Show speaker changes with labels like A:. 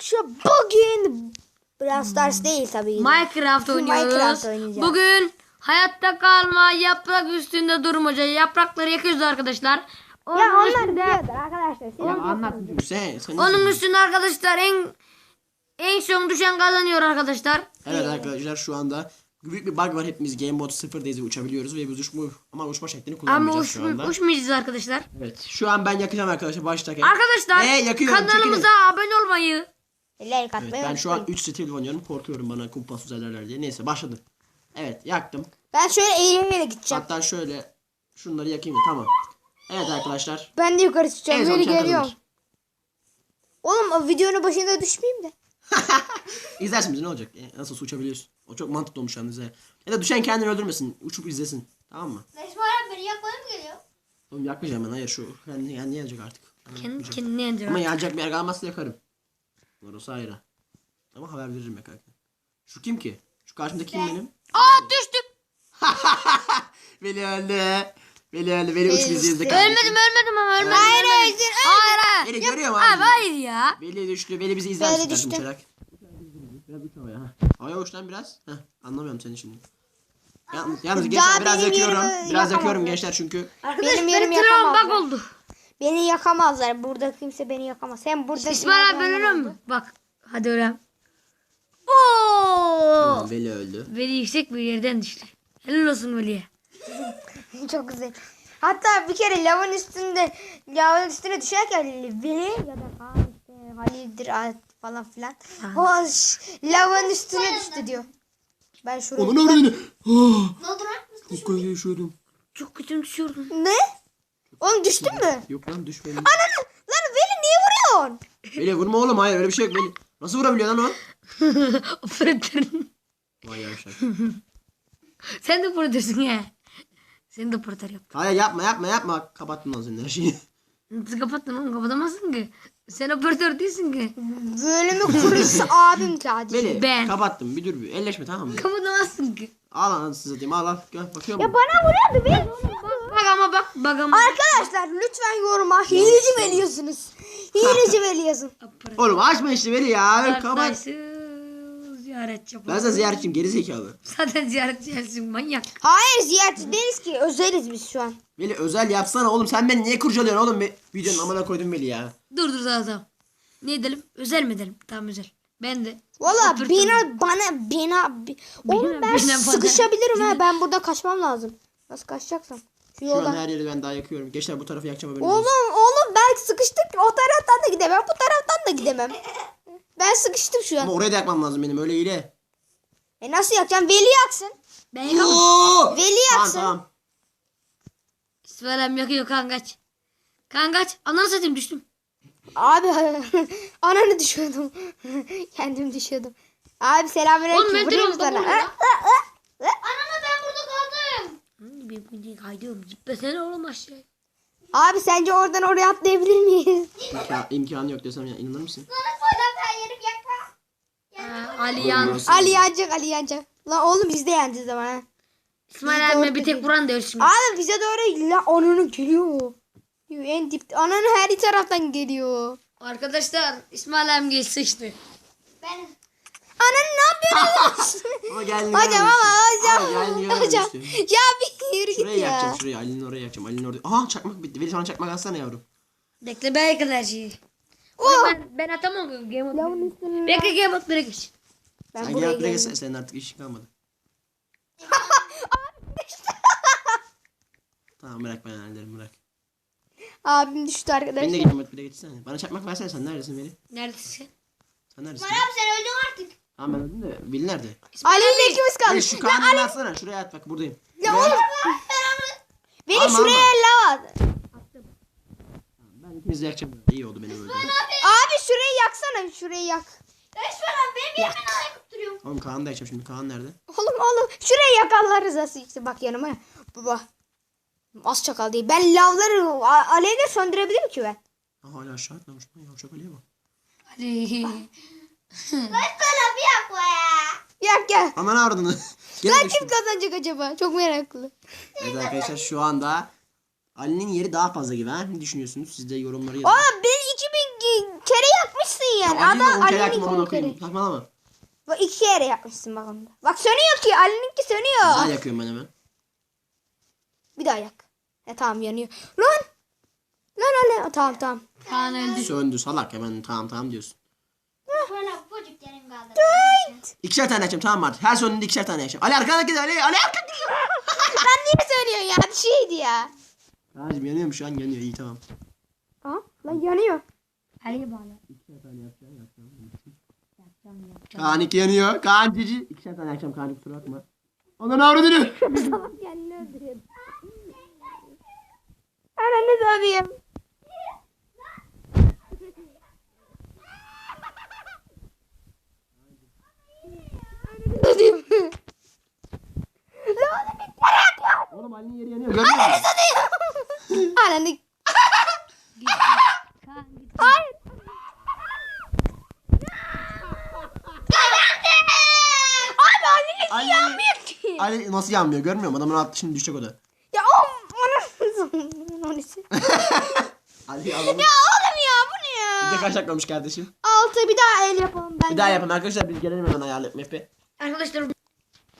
A: arkadaşlar bugün Brawl Stars değil tabii.
B: Minecraft oynuyoruz.
A: Minecraft oynayacağız.
B: Bugün hayatta kalma, yaprak üstünde durmaca, yaprakları yakıyoruz arkadaşlar.
A: Ya
B: Onun
A: onlar
B: üstünde,
A: biliyordur arkadaşlar. Siz
C: Anlat sen.
B: onun üstünde arkadaşlar en son düşen kazanıyor arkadaşlar.
C: Evet arkadaşlar şu anda büyük bir bug var, hepimiz Game Mode 0'dayız ve uçabiliyoruz ve biz uçma şeklini
B: Ama
C: kullanmayacağız şu anda.
B: uçmayacağız arkadaşlar.
C: Evet şu an ben yakacağım arkadaşlar baştaki.
B: Arkadaşlar
C: yakıyorum,
B: kanalımıza abone olmayı.
A: like
C: Evet,
A: atmayı
C: ben şu an
A: unutmayın.
C: 3 stil oynuyorum, korkuyorum bana kumpas üzerlerler diye. Neyse başladım. Evet yaktım.
A: Ben şöyle eğlenerek gideceğim.
C: Hatta şöyle şunları yakayım da tamam. Evet arkadaşlar.
A: Ben de yukarı çıkacağım.
C: En son
A: Böyle
C: kim
A: geliyorum.
C: kazanır?
A: Oğlum o videonun başında düşmeyeyim de.
C: İzlersin bizi, ne olacak? Nasıl uçabiliyorsun? O çok mantıklı olmuş yalnız ya. Ya da düşen kendini öldürmesin. Uçup izlesin. Tamam mı?
D: Necmi abi beni yakmaya mı geliyor?
C: Oğlum yakmayacağım ben, hayır şu. Yani yanacak artık.
B: Kendi kendine yanacak.
C: Ama yanacak bir yer kalmazsa yakarım. Orası ayrı. Ama haber veririm yakarken. Şu kim ki? Şu karşımdaki kim benim?
B: Aa düştüm.
C: Veli öldü. Veli uç bizi izle.
B: Ölmedim ama ölmedim.
A: Hayır hayır.
B: Hayır.
C: Veli görüyor mu
B: Abi
C: abi?
B: hayır ya.
C: Veli düştü. Veli bizi izler
A: Veli
C: misin kardeşim
A: düştü.
C: uçarak? Biraz uç havaya. Havaya uç lan biraz. Heh, anlamıyorum seni şimdi. Yalnız gençler biraz
A: benim
C: yakıyorum.
A: yerimi
C: Biraz
A: yakamam
C: yakıyorum
A: ben.
C: gençler çünkü.
A: Benim yerim
B: Travma bak
A: yakamazlar.
B: oldu.
A: Beni yakamazlar. Burada kimse beni yakamaz. Hem burada
B: İsmail abi ben ölüyor mu? Bak. Hadi öğren. Oo.
C: Tamam, Veli öldü.
B: Veli yüksek bir yerden düştü. Helal olsun Veli'ye.
A: Çok güzel. Hatta bir kere lavın üstüne düşerken Veli ya da Kaan işte Halil'dir falan filan. O lavın üstüne düştü diyor. Ben şuraya...
C: Onun öğrenini.
D: Ne oldu lan?
C: Çok kötü yaşıyordum.
B: Çok kötü düşüyordum.
A: Ne? Oğlum düştün mü?
C: Yok lan düşmedim.
A: Ananı! Lan Veli niye vuruyorsun?
C: Veli vurma oğlum, hayır öyle bir şey yok Veli. Nasıl vurabiliyor lan o?
B: Operatörün.
C: Vay yavşak.
B: Sen de operatörsun ya. Sen de operatör yap.
C: Hayır yapma. Kapattım lan senin her şeyi.
B: Nasıl kapattın oğlum? Kapatamazsın ki. Sen operatör değilsin ki.
A: Bölümü kurucusu abim sadece.
C: Veli
B: Ben.
C: kapattım, bir dur bir. Elleşme tamam mı?
B: Kapatamazsın ki.
C: Al lan size diyeyim, al. Gel bakıyor musun?
A: Bana vuruyordu Veli.
B: Bak ama.
A: Arkadaşlar lütfen yoruma hileci veriyorsunuz. Hileci veriyorsun.
C: Oğlum açma işte Veli ya. Kapat.
B: Arkadaşı ziyaretçi yapalım.
C: Ben sana ziyaretçiyim geri zekalı.
B: Zaten ziyaretçisin manyak.
A: Hayır ziyaretçi değiliz ki. Özeliz biz şu an.
C: Veli özel yapsana oğlum, sen beni niye kurcalıyorsun oğlum? Videonun amına koydum Veli ya.
B: Dur tamam. Ne edelim? Özel mi edelim? Tamam özel. Ben de.
A: Valla
B: Operatör-
A: Oğlum ben
B: bina-
A: sıkışabilirim ha. Ben burada kaçmam lazım. Nasıl kaçacaksam. Şu
C: Şu an
A: yoldan.
C: her yeri ben daha yakıyorum. Gençler bu tarafı yakacağım haberin
A: Oğlum
C: olsun.
A: ben sıkıştık. O taraftan da gidemem. Bu taraftan da gidemem. Ben sıkıştım şu
C: Ama
A: an.
C: oraya da yakmam lazım benim, öyle hile.
A: Nasıl yakacağım? Veli yaksın.
B: Ben yakamam.
C: Oo!
A: Veli
C: Tamam
A: yaksın.
C: tamam.
B: İsmail'im yakıyor kankaç. Kankaç. Ananı satayım düştüm.
A: Abi ananı düşüyordum. Kendim düşüyordum. Abi
B: Oğlum
A: selamünaleyküm.
B: ben
A: Vurayım
B: telefonda
A: sana.
B: vurdum lan.
D: Anana ben burada kaldım.
B: Bir kaydıyorum. Zıplasana oğlum aşağıya.
A: Abi sence oradan oraya atlayabilir miyiz?
C: İmkanı yok desem ya, inanır mısın?
D: Sana koydum her yerim yakma.
B: Ali yan.
C: Olmaz.
A: Ali yanacak. Lan oğlum biz de yeneceğiz ama ha.
B: İsmail abime bir tek vuran diyor şimdi.
A: Abi bize doğru la ananı geliyor. En dip ananı her taraftan geliyor.
B: Arkadaşlar İsmail abim geç sıçtı.
D: Ben
A: Ananı ne yapıyorsun?
C: Ama geldi.
A: hocam
C: Hocam.
A: Ya bir yürü
C: Şuraya
A: git ya.
C: yakacağım, şuraya. Ali'nin oraya yakacağım. Ali'nin oraya. Aha çakmak bitti. Veli sana çakmak alsana yavrum.
B: Bekle ben kadar şeyi.
A: Oh!
B: Ben atamam Game of.
A: Lavın üstüne.
B: Bekle Game of geç.
A: Ben
C: Sen
A: buraya
C: gel buraya
A: geldim.
C: gel, senin artık işin kalmadı. Tamam bırak, ben hallederim, bırak.
A: Abim düştü
C: Ben de
A: arkadaşlar.
C: gideyim, bir de geçsene. Bana çakmak versene, sen neredesin Veli?
B: Neredesin?
C: Sen neredesin?
D: abi sen öldün artık.
C: Tamam ben öldüm de Veli nerede?
A: Ali ile ikimiz
C: Veli
A: kaldık.
C: şu kanını atsana, şuraya at bak, buradayım.
A: Ya oğlum. Beni
C: Alma,
A: şuraya lav at.
C: Ben ikinizi yakacağım. İyi oldu benim öldüğüm.
A: Abi şurayı yaksana. Şurayı yak.
D: Necmi abi benim yerime ne yakıp duruyorum.
C: Oğlum Kaan'ı da yakacağım şimdi. Kaan nerede?
A: Oğlum şurayı yakarlar rızası işte bak yanıma. Baba. Az çakal değil. Ben lavları alevle söndürebilirim ki ben.
C: Ha, hala aşağı atlamış. Lan yavşak Ali'ye bak.
B: Hadi.
D: Necmi abi yakma ya.
A: Yak gel.
C: Aman ardını. Gene
A: Lan
C: düştüm.
A: kim kazanacak acaba? Çok meraklı.
C: Evet arkadaşlar şu anda Ali'nin yeri daha fazla gibi ha. Ne düşünüyorsunuz? Siz de yorumları yazın.
A: Oğlum beni 2000 kere yakmışsın yani.
C: Ya Ali'nin
A: Adam
C: on kere
A: Ali'nin
C: yaktım, onu okuyayım.
A: 10 kere.
C: Saçmalama.
A: Bak 2 kere yakmışsın bak onda. Bak sönüyor ki. Ali'ninki sönüyor.
C: Daha yakıyorum ben hemen.
A: Bir daha yak. Tamam yanıyor. Lan. Lan. Tamam.
B: Kaan öldü.
C: Söndü salak hemen tamam diyorsun.
D: Şöyle bocuk yerim kaldı.
C: İkişer tane yakacağım tamam mı artık? Her sonunda ikişer tane yakacağım. Ali arkana git Ali arkana git.
A: Lan niye söylüyorsun ya? Bir şeydi ya.
C: Kaan'cım yanıyor mu şu an? Yanıyor iyi tamam.
A: Aha lan yanıyor.
B: Ali'ye bağlı.
C: İkişer tane yakacağım. Kaan 2 yanıyor. Kaan cici. İkişer tane yakacağım Kaan kusura bakma. Ondan avradını.
A: Salak kendini öldürüyordu. Ananı satayım. Satayım. Lan
C: Oğlum Ali'nin yeri yanıyor. Görmüyor musun?
A: ananı.
B: Kaan git.
A: Hayır. Abi annenin
C: Ali-
A: yanmıyor ki.
C: Ali nasıl yanmıyor görmüyor musun? Adamın attı şimdi düşecek o da.
A: Ya ananı.
C: Ali adamın.
A: Ya oğlum ya bu ne ya?
C: Bir de kaç dakika olmuş kardeşim?
A: 6 bir daha el yapalım ben.
C: Bir daha yapalım arkadaşlar biz gelelim hemen ayarlayıp map'i.
B: Arkadaşlar